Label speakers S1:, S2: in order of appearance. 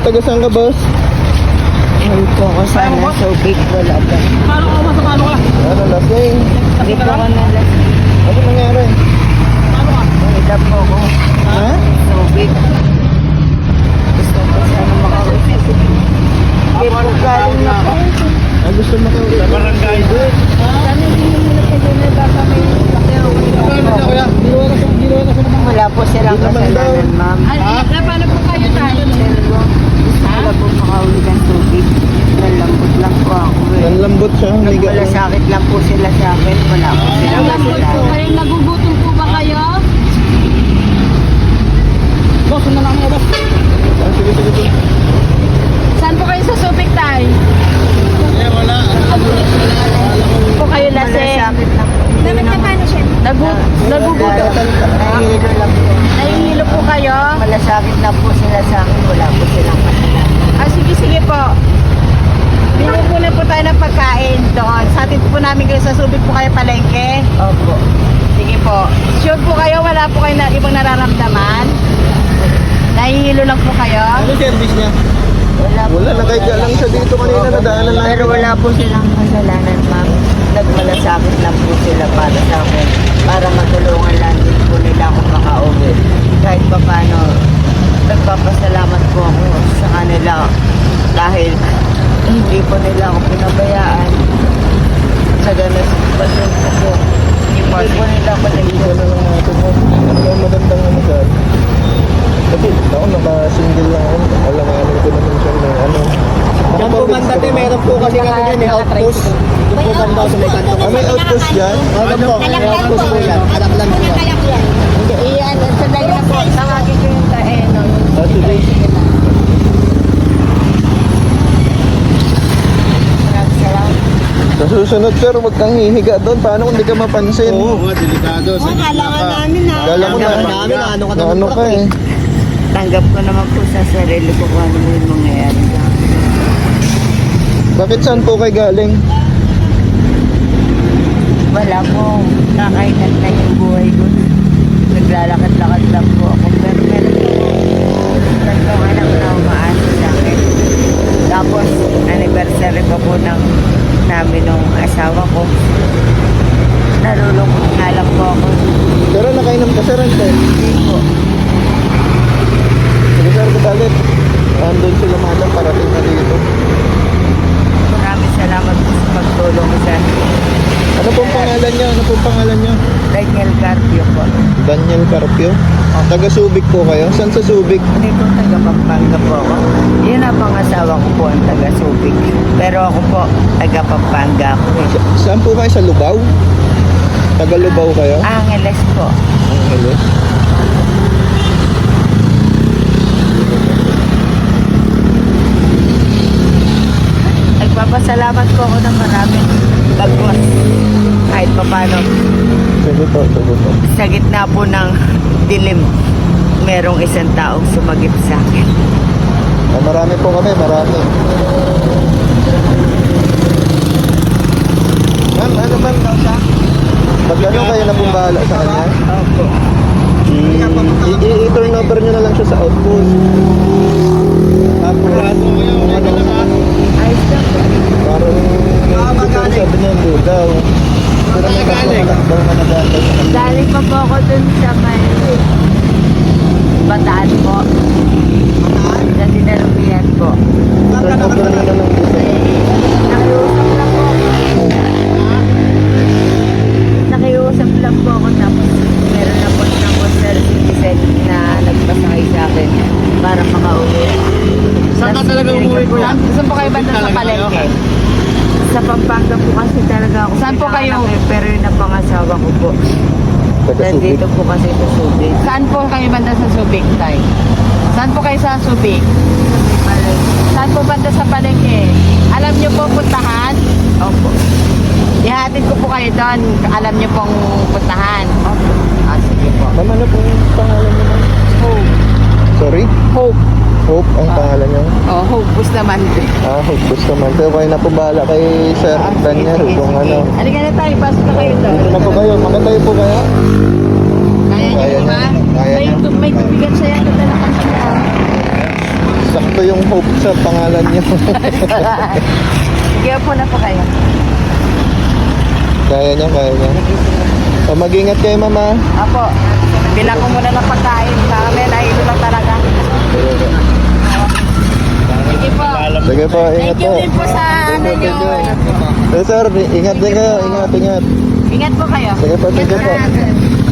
S1: taga saan ka, boss?
S2: Ay po ako sana so big wala ba?
S3: Paano ka ba? Paano ka?
S1: Ano, lasing?
S2: Hindi po ako nalasing.
S1: Ano nangyari?
S3: Paano ka?
S2: Mahila po ako.
S1: Ha?
S2: So big. Gusto ko sana makauwi. Hindi po galing na po.
S1: Ang gusto makauwi?
S3: Sa barangay.
S2: Sana hindi mo muna kayo na baka may wala po silang kasalanan, ma'am.
S4: Paano po kayo tayo?
S2: Pero wala po makauwi ng tubig. Nalambot lang po ako eh.
S1: Nanlambot siya, humiga.
S2: Nagmalasakit lang po sila sa akin. Wala po silang
S4: Lambot po
S2: kasalanan.
S4: kayo, nagugutom po ba kayo?
S3: Boss, na lang mo, boss.
S1: Ah, sige, sige, sige.
S4: Saan po kayo sa Subic tayo?
S3: Wala.
S4: Po kayo lasing?
S2: Malasakit lang po.
S4: Dapat na paano siya? Nagugutom.
S2: Nahihilo lang po.
S4: Nahihilo po kayo?
S2: Malasakit lang po sila sa akin. Wala po silang kasalanan.
S4: Sige po. Bili po na po tayo ng pagkain doon. Sa atin po namin kayo sa Subic po kayo palengke.
S2: Opo.
S4: Sige po. Sure po kayo, wala po kayo na ibang nararamdaman? Nahihilo lang po kayo?
S1: Ano service niya?
S2: Wala po.
S1: Wala, nakahiga lang siya dito kanina, nadaanan lang.
S2: Pero wala po silang kasalanan, ma'am. Nagmalasakit lang po sila para sa akin. Para matulungan lang din po nila ako makauwi. Kahit pa paano, nagpapasalamat po ako sa kanila. Dahil hindi po nila ako pinabayaan. Sa ganun, basun po po. Hindi po nila ako
S1: Isa
S2: nagpapasalamat.
S1: na lang natin mo. Ano ang magandang ano sa kasi ako naka-single lang ako. Alam ko naman siya na ano.
S3: Diyan po banda, te, meron po kasi kami dyan, outpost. Doon po banda sa may kanto.
S1: Ah, may outpost dyan?
S3: Ano po? May outpost po yan. Anak lang po yan.
S2: Hindi, iyan. Sandali na po. Tawagin ko yung taeno.
S1: Ah, sige.
S2: Maraming salamat.
S1: Sa susunod sir, huwag kang hihiga doon. Paano kung di ka mapansin?
S3: Oo, delikado.
S2: Kailangan namin na.
S1: Kala mo na,
S3: namin na ano ka
S1: na
S3: naman
S1: ano
S3: po,
S1: ka eh.
S2: Tanggap ko naman po sa sarili ko kung ano mo yung mangyayari sa akin.
S1: Bakit saan po kayo galing?
S2: Wala po. Kakainan na yung buhay ko. Naglalakad-lakad lang po ako. Pero meron po. Tatlong anak na umaasa sa akin. Tapos, anniversary pa po ng namin ng asawa ko. Nalulungkot nga lang po ako.
S1: Pero nakainom ka sir, ante.
S2: Hindi po.
S1: Sige sir, bagalit. Andun sila madam, parating na dito.
S2: Maraming salamat po sa pagtulong sa
S1: Ano pong pangalan niyo? Ano pong pangalan niyo?
S2: Daniel Carpio po.
S1: Daniel Carpio. Taga Subic po kayo? Saan sa Subic?
S2: Hindi po taga Pampanga po ako. Yun ang pangasawa ko po ang taga Subic. Pero ako po, taga Pampanga ako eh.
S1: Saan po kayo? Sa Lubao? Taga Lubao kayo?
S2: Angeles po.
S1: Angeles.
S2: Nagpapasalamat po ako ng maraming bagwas. Kahit pa paano,
S1: Sige po, sige po.
S2: sa gitna po ng dilim, merong isang taong sumagip sa akin.
S1: Ah, marami po kami, marami. Ma'am, ano ma'am? Pag ano kayo na pong bahala sa kanya?
S2: Opo.
S1: I-turn over nyo na lang siya sa outpost. Tapos, ano,
S2: Ayos lang po.
S1: parang siguro sabi niya hindi daw. Pero may daw na nag-aantay sa kanya.
S2: Galing pa po ako dun sa may Bataan po. Sa Dinalupian po.
S1: Turn over nyo na lang po siya.
S2: Nakiusap lang po ako. Nakiusap lang po ako tapos meron na po ng concert citizen na nagpasakay sa akin para makauwi.
S3: Saan ka talaga umuwi ko yan?
S4: Saan po kayo banda sa palengke?
S2: Sa Pampanga po kasi talaga ako.
S4: Saan po kayo?
S2: pinanganak eh, pero yung napangasawa ko po.
S1: Taga Subic.
S2: Nandito po kasi sa Subic.
S4: Saan po kayo banda sa Subic tayo? Saan po kayo sa Subic? Saan po banda sa palengke? Alam niyo po puntahan?
S2: Opo.
S4: Ihatid ko po kayo doon. Alam niyo pong puntahan.
S2: Opo.
S4: Ah, sige po.
S1: Ma'am, ano pong pangalan niyo ma'am?
S4: Hope.
S1: Sorry?
S4: Hope.
S1: Hope ang pangalan niyo?
S4: Oh, Hope Bustamante.
S1: Ah, Hope Bustamante. Pero kayo na po bahala kay Sir Daniel kung ano.
S4: Halika na tayo. Pasok na kayo doon.
S1: Dito na po kayo. Makatayo po kayo.
S4: Kaya niyo
S1: Kaya
S4: po ba?
S1: niya. Kaya niya.
S4: May tubigan siya yan. Nadala ka siya.
S1: Sakto yung Hope Cook sa pangalan niyo.
S4: Sige po na po kayo.
S1: Kaya niya, kaya niya. O, mag-ingat kayo, mama.
S4: Apo, bilang ko muna ng pagkain. Sa amin ay ito lang talaga. Sige po.
S1: Sige po, ingat
S4: Thank you
S1: po.
S4: din po sa ano nyo.
S1: Sir, ingat din kayo. Ingat, ingat.
S4: Ingat po kayo.
S1: Sige po, sige po.